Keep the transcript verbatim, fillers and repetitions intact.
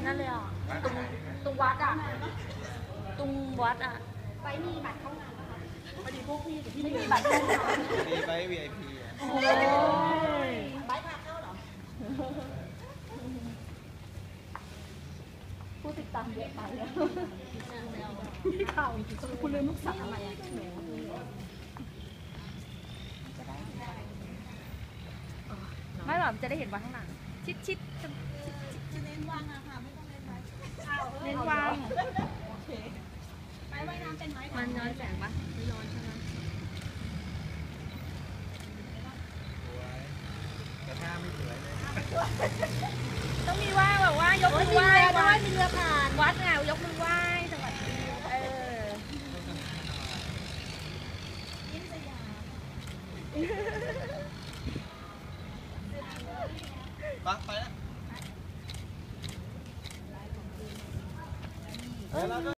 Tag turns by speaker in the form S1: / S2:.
S1: นั่นเลยอ่ะตรงตรงวัดอ่ะตรงวัดอ่ะไปมีบัตรเข้างานไหมคะพอดีพวกพี่ที่ไม่มีบัตรเข้างาน
S2: มีไป วี ไอ พี อ่ะ
S1: โอ้ยใบพาเข้าเหรอผู้ติดตามเยอะไปแล้วข่าวคุณเลยลูกสาวอะไรอ่ะไม่หรอกจะได้เห็นวัดข้างหลังชิดชิดจะเน้นวางอะค่ะไม่ต้องเน้นไว้เน้นวางไปว่ายน้ำเป็นไหมมันย้อนแสงปะไม่ย้อนใช่ไหม
S2: แต่ถ้าไม่สวยเลย
S1: ต้องมีว่าแบบว่ายกมือไหว้ด้วยมีเรือผ่านวัดไงยกมือไหว้สวัสดีเออยิ้มสยาม
S2: ปักไปแล้ว